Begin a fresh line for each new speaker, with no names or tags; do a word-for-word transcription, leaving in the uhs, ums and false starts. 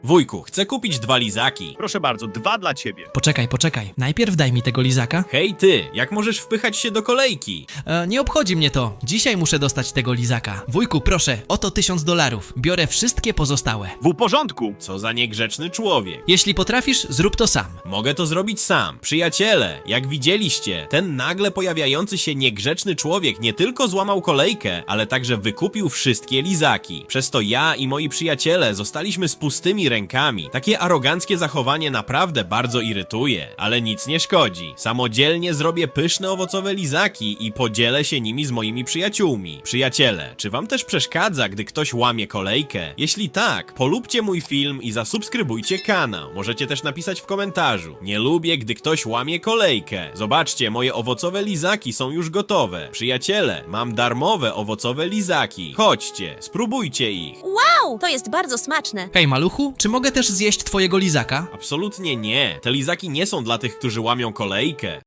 Wujku, chcę kupić dwa lizaki.
Proszę bardzo, dwa dla ciebie.
Poczekaj, poczekaj. Najpierw daj mi tego lizaka.
Hej ty, jak możesz wpychać się do kolejki?
E, nie obchodzi mnie to. Dzisiaj muszę dostać tego lizaka. Wujku, proszę, oto tysiąc dolarów. Biorę wszystkie pozostałe.
W porządku.
Co za niegrzeczny człowiek.
Jeśli potrafisz, zrób to sam.
Mogę to zrobić sam. Przyjaciele, jak widzieliście, ten nagle pojawiający się niegrzeczny człowiek nie tylko złamał kolejkę, ale także wykupił wszystkie lizaki. Przez to ja i moi przyjaciele zostaliśmy z pustymi rękami. Takie aroganckie zachowanie naprawdę bardzo irytuje, ale nic nie szkodzi. Samodzielnie zrobię pyszne owocowe lizaki i podzielę się nimi z moimi przyjaciółmi. Przyjaciele, czy wam też przeszkadza, gdy ktoś łamie kolejkę? Jeśli tak, polubcie mój film i zasubskrybujcie kanał. Możecie też napisać w komentarzu: nie lubię, gdy ktoś łamie kolejkę. Zobaczcie, moje owocowe lizaki są już gotowe. Przyjaciele, mam darmowe owocowe lizaki. Chodźcie, spróbujcie ich.
Wow, to jest bardzo smaczne.
Hej, maluchu, czy mogę też zjeść twojego lizaka?
Absolutnie nie. Te lizaki nie są dla tych, którzy łamią kolejkę.